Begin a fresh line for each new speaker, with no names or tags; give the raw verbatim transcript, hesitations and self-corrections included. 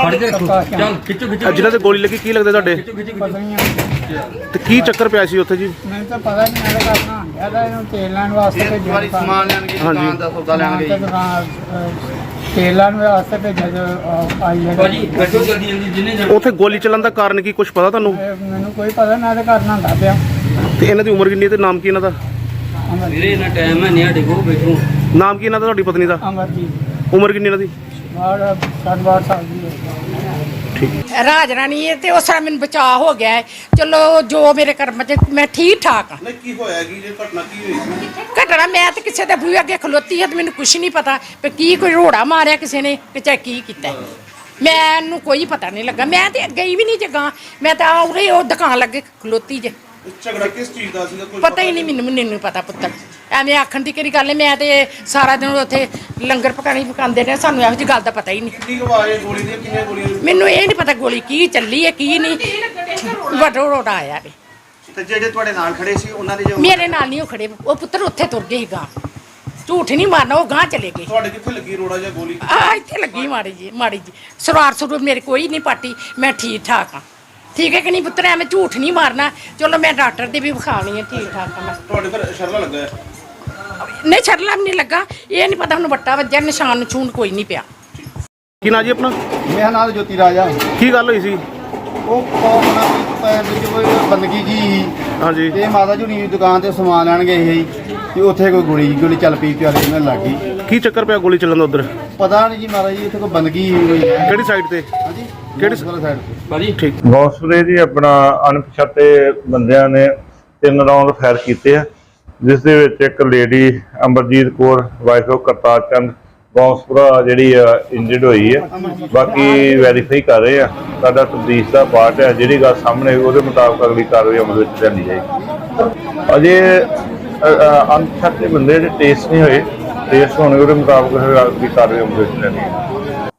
जिन्हां ते गोली लगी की लगदा तुहाडे ते की चक्कर पिया सी उत्थे जी?
मैं तो पता नहीं मेरे का अपना ज्यादा इन्हों तेल लाने वास्ते भेजा
सामान लैन गए दुकान दा सौदा लैन गए
तेल लाने वास्ते भेजा जो आई है
उत्थे गोली चलन दा कारण की कुछ पता तुहानू?
मैनू कोई पता ना ते करना होंदा पिया
ते इन्हां दी उम्र किन्नी है ते नाम की इन्हां दा?
ਵੀਰੇ ਇਹਨਾਂ ਟਾਈਮ ਹੈ ਨਹੀਂ ਸਾਡੇ ਕੋਲ ਬੈਠੋ
नाम की इन्हां दा तुहाडी पत्नी दा?
अमरजीत
उम्र किन्नी इन्हां दी?
और साठ बारह साल की है।
ਰਾਜ ਰਾਣੀ ਹੈ ਤੇ ਉਸ ਤਰ੍ਹਾਂ ਮੈਨੂੰ ਬਚਾਅ ਹੋ ਗਿਆ ਹੈ। ਚਲੋ ਜੋ ਮੇਰੇ ਕਰਮ ਚ ਮੈਂ ਠੀਕ ਠਾਕ ਹਾਂ।
ਨਹੀਂ ਕੀ ਹੋਇਆ ਕੀ ਜੇ ਘਟਨਾ ਕੀ ਹੋਈ?
ਘਟਨਾ ਮੈਂ ਤੇ ਕਿਸੇ ਦੇ ਬੂਹੇ ਅੱਗੇ ਖਲੋਤੀ ਹਾਂ ਤੇ ਮੈਨੂੰ ਕੁਝ ਨਹੀਂ ਪਤਾ ਵੀ ਕੀ ਕੋਈ ਰੋੜਾ ਮਾਰਿਆ ਕਿਸੇ ਨੇ ਕਿ ਚਾਹੇ ਕੀ ਕੀਤਾ ਮੈਨੂੰ ਕੋਈ ਪਤਾ ਨਹੀਂ ਲੱਗਾ। ਮੈਂ ਤੇ ਗਈ ਵੀ ਨਹੀਂ ਜਗਾ ਮੈਂ ਤਾਂ ਉਰੇ ਉਹ ਦੁਕਾਨ ਲੱਗੇ ਖਲੋਤੀ ਜੇ।
ਝਗੜਾ ਕਿਸ ਚੀਜ਼ ਦਾ ਸੀਗਾ ਕੋਈ
ਪਤਾ ਹੀ ਨਹੀਂ ਮੈਨੂੰ ਮੈਨੂੰ ਪਤਾ ਪੁੱਤਰ ਐਵੇਂ ਆਖਣ ਦੀ ਕਿਹੜੀ ਗੱਲ ਹੈ। ਮੈਂ ਤੇ ਸਾਰਾ ਦਿਨ ਉੱਥੇ ਲੰਗਰ ਪਕਾਣੀ ਪਕਾਉਂਦੇ ਨੇ ਸਾਨੂੰ ਇਹੋ ਜਿਹੀ ਗੱਲ ਦਾ ਪਤਾ ਹੀ ਨਹੀਂ।
ਕਿੰਨੀ ਆਵਾਜ਼ ਗੋਲੀ ਦੀ ਕਿੰਨੀਆਂ ਗੋਲੀਆਂ?
ਮੈਨੂੰ ਇਹ ਨਹੀਂ ਪਤਾ ਗੋਲੀ ਕੀ ਚੱਲੀ ਹੈ ਕੀ ਨਹੀਂ ਵੱਡਾ ਰੋੜਾ ਆਇਆ ਵੇ।
ਤੇ ਜਿਹੜੇ ਤੁਹਾਡੇ ਨਾਲ ਖੜੇ ਸੀ ਉਹਨਾਂ ਦੇ ਜੋ
ਮੇਰੇ ਨਾਲ ਨਹੀਂ ਉਹ ਖੜੇ ਉਹ ਪੁੱਤਰ ਉੱਥੇ ਤੁਰ ਗਏ ਸੀ ਗਾਂ ਝੂਠ ਨਹੀਂ ਮਾਰਨਾ ਉਹ ਗਾਂ ਚਲੇ ਗਏ।
ਤੁਹਾਡੇ ਕਿੱਥੇ ਲੱਗੀ ਰੋੜਾ ਜਾਂ ਗੋਲੀ?
ਆ ਇੱਥੇ ਲੱਗੀ ਮਾੜੀ ਜੀ ਮਾੜੀ ਜੀ ਸਰਾਰ ਸਰੂਰ ਮੇਰੇ ਕੋਈ ਨਹੀਂ ਪਾਟੀ ਮੈਂ ਠੀਕ ਠਾਕ ਹਾਂ। ਠੀਕ ਹੈ ਕਿ ਨਹੀਂ ਪੁੱਤਰ ਐਵੇਂ ਝੂਠ ਨਹੀਂ ਮਾਰਨਾ। ਚਲੋ ਮੈਂ ਡਾਕਟਰ ਦੀ ਵੀ ਵਿਖਾਉਣੀ ਹੈ ਠੀਕ ਠਾਕ ਹਾਂ ਮੈਂ।
ਤੁਹਾਡੇ ਫਿਰ ਸ਼ਰਲਾ ਲੱਗਾ ਹੈ?
ਨਹੀਂ ਛਰਲਾ ਵੀ ਨਹੀਂ ਲੱਗਾ ਇਹ ਨਹੀਂ ਪਤਾ ਹੁਣ ਵੱਟਾ ਵੱਜਿਆ ਨਿਸ਼ਾਨ ਨਿਸ਼ੂਨ ਕੋਈ ਨਹੀਂ ਪਿਆ।
ਕੀ ਨਾਂ ਜੀ ਆਪਣਾ?
ਮੇਰਾ ਨਾਮ ਜੋਤੀ ਰਾਜਾ।
ਕੀ ਗੱਲ ਹੋਈ ਸੀ?
ਉਹ ਕੋਣਾ ਪੈਰ ਵਿੱਚ ਕੋਈ ਬੰਦਗੀ ਜੀ ਸੀ
ਹਾਂਜੀ
ਤੇ ਮਾਤਾ ਜੀ ਦੀ ਦੁਕਾਨ ਤੇ ਸਮਾਨ ਲੈਣ ਗਏ ਸੀ ਤੇ ਉੱਥੇ ਕੋਈ ਗੋਲੀ ਗੋਲੀ ਚੱਲ ਪਈ ਪਿਆਰੇ ਨਾਲ ਲੱਗ ਗਈ।
ਕੀ ਚੱਕਰ ਪਿਆ ਗੋਲੀ ਚੱਲਣ ਦਾ ਉਧਰ?
ਪਤਾ ਨਹੀਂ ਜੀ ਮਾਤਾ ਜੀ ਉੱਥੇ ਕੋਈ ਬੰਦਗੀ ਹੋਈ ਹੈ।
ਕਿਹੜੀ ਸਾਈਡ ਤੇ?
ਹਾਂਜੀ
ਕਿਹੜੀ
ਸਾਈਡ ਤੇ?
ਭਾਜੀ
ਠੀਕ
ਗੌਸਪੁਰੇ ਜੀ ਆਪਣਾ ਅਣਪਛਾਤੇ ਬੰਦਿਆਂ ਨੇ ਤਿੰਨ ਰਾਉਂਡ ਫਾਇਰ ਕੀਤੇ ਆ ਜਿਸ ਦੇ ਵਿੱਚ ਇੱਕ lady Amarjit Kaur wife of Kartar Chand Gauspura ਜਿਹੜੀ ਆ ਇੰਜਰਡ ਹੋਈ ਹੈ। ਬਾਕੀ ਵੈਰੀਫਾਈ ਕਰ ਰਹੇ ਆ ਸਾਡਾ ਤਬਦੀਸ਼ ਦਾ ਪਾਰਟ ਹੈ ਜਿਹੜੀ ਗੱਲ ਸਾਹਮਣੇ ਉਹਦੇ ਮੁਤਾਬਕ ਅਗਲੀ ਕਾਰਵਾਈ ਅਮਲ ਵਿੱਚ ਲਿਆਂਦੀ ਜਾਏਗੀ। ਅਜੇ ਅਣਪਛਾਤੇ ਬੰਦੇ ਜਿਹੜੇ ਟੇਸਟ ਨਹੀਂ ਹੋਏ ਟੇਸਟ ਹੋਣੇ ਉਹਦੇ ਮੁਤਾਬਕ ਅਗਲੀ ਕਾਰਵਾਈ ਅਮਲ ਵਿੱਚ ਲਿਆਂਦੀ ਜਾਏਗੀ।